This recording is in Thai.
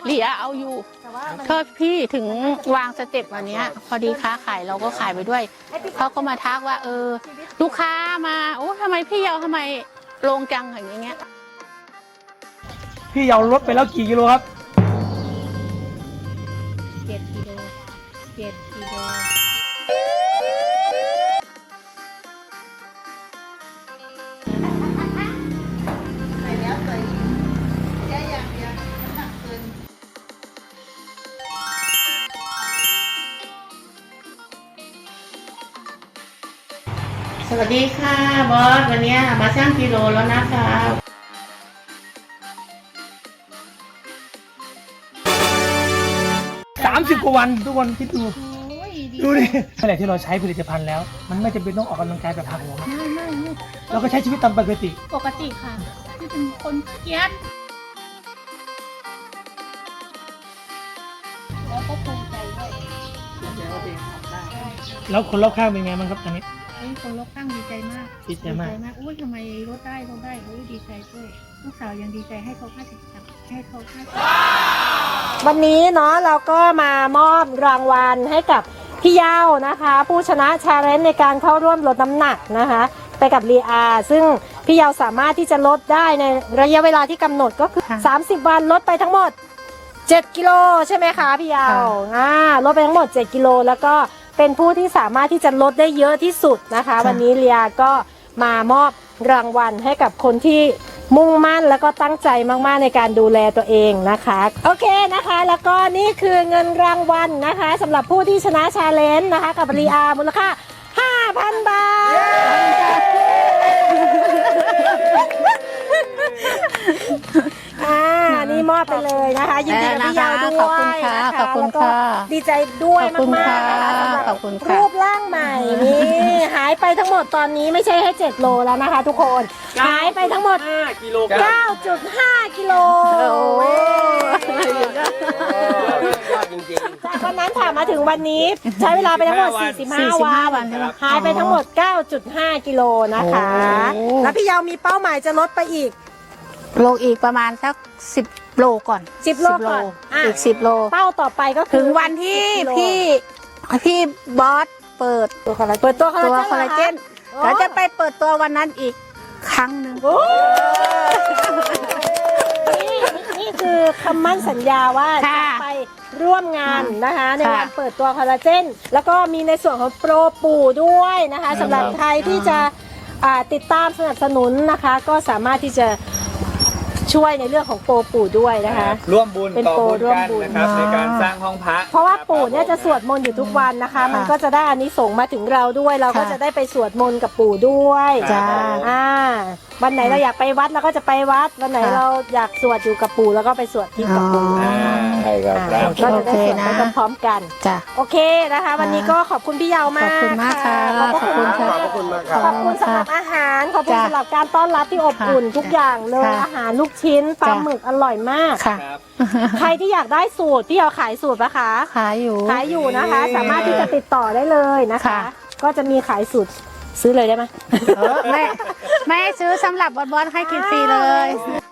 เหลียเอาอยู่โทษพี่ถึงวางสเต็ปวันนี้พอดีค้าขายเราก็ขายไปด้วยเขาก็มาทักว่าลูกค้ามาโอ้ทำไมพี่เยาทำไมลงจังอย่างเงี้ยพี่เยาลดไปแล้วกี่กิโลครับ 7 กิโลสวัสดีค่ะบอสวันนี้มาชั่งกิโลแล้วนะคะ 30 กว่าวันทุกคนคิดดูดูดิขณะที่เราใช้ผลิตภัณฑ์แล้วมันไม่จำเป็นต้องออกกำลังกายแบบหักโหมไม่เราก็ใช้ชีวิตตามปกติค่ะที่เป็นคนเกียจแล้วก็ภูมิใจด้วยแล้วคนรอบข้างเป็นไงบ้างครับตอนนี้คนรอบข้างดีใจมากอุ้ยทำไมลดได้อุ้ยดีใจด้วยลูกสาวยังดีใจให้เขา50 วันนี้เนาะเราก็มามอบรางวัลให้กับพี่เย้านะคะผู้ชนะชาเลนจ์ในการเข้าร่วมลดน้ำหนักนะคะไปกับลีอาซึ่งพี่เย้าสามารถที่จะลดได้ในระยะเวลาที่กำหนดก็คือ30 วันลดไปทั้งหมด7 กิโลใช่ไหมคะพี่เย้าลดไปทั้งหมด7 กิโลแล้วก็เป็นผู้ที่สามารถที่จะลดได้เยอะที่สุดนะคะวันนี้ลีอาก็มามอบรางวัลให้กับคนที่มุ่งมั่นแล้วก็ตั้งใจมากๆในการดูแลตัวเองนะคะโอเคนะคะแล้วก็นี่คือเงินรางวัลนะคะสำหรับผู้ที่ชนะชาเลนจ์นะคะกับลีอามูลค่า 5,000 บาทนี่มอบไปเลยนะคะยินดีกับพี่เยาวด้วยขอบคุณค่ะขอบคุณค่ะดีใจด้วยมากๆนะคะสำหรับรูปร่างใหม่นี่หายไปทั้งหมดตอนนี้ไม่ใช่ให้7 โลแล้วนะคะทุกคนหายไปทั้งหมด 5 กิโล 9.5 กิโลจากวันนั้นค่ะมาถึงวันนี้ใช้เวลาไปทั้งหมด45 วันหายไปทั้งหมด 9.5 กิโลนะคะแล้วพี่เยาวมีเป้าหมายจะลดไปอีกประมาณสัก10 โลก่อน 10 โลก่อนอีก10 โลเป้าต่อไปก็ถึงวันที่พี่บอสเปิดตัวคอลลาเจนเราจะไปเปิดตัววันนั้นอีกครั้งหนึ่งนี่คือคำมั่นสัญญาว่าจะไปร่วมงานนะคะในวันเปิดตัวคอลลาเจนแล้วก็มีในส่วนของโปรปู่ด้วยนะคะสำหรับใครที่จะติดตามสนับสนุนนะคะก็สามารถที่จะช่วยในเรื่องของโปรปู่ด้วยนะคะร่วมบุญต่อบุญกันนะครับในการสร้างห้องพระเพราะว่าปู่เนี่ยจะสวดมนต์อยู่ทุกวันนะคะมันก็จะได้อานิสงส์มาถึงเราด้วยเราก็จะได้ไปสวดมนต์กับปู่ด้วยจ้าวันไหนเราอยากไปวัดเราก็จะไปวัดวันไหนเราอยากสวดอยู่กับปู่แล้วก็ไปสวดที่กับปู่ใช่ครับก็จะได้สวดไปพร้อมๆกันโอเคนะคะวันนี้ก็ขอบคุณพี่เยาวมากขอบคุณมากค่ะขอบคุณค่ะขอบคุณสำหรับอาหารขอบคุณสำหรับการต้อนรับที่อบอุ่นทุกอย่างเลยอาหารลูกชิ้นปลาหมึกอร่อยมากใครที่อยากได้สูตรพี่เยาวขายสูตรปะคะขายอยู่นะคะสามารถที่จะติดต่อได้เลยนะคะก็จะมีขายสูตรซื้อเลยได้ไหมไม่ซื้อสำหรับบอสให้กินฟรีเลย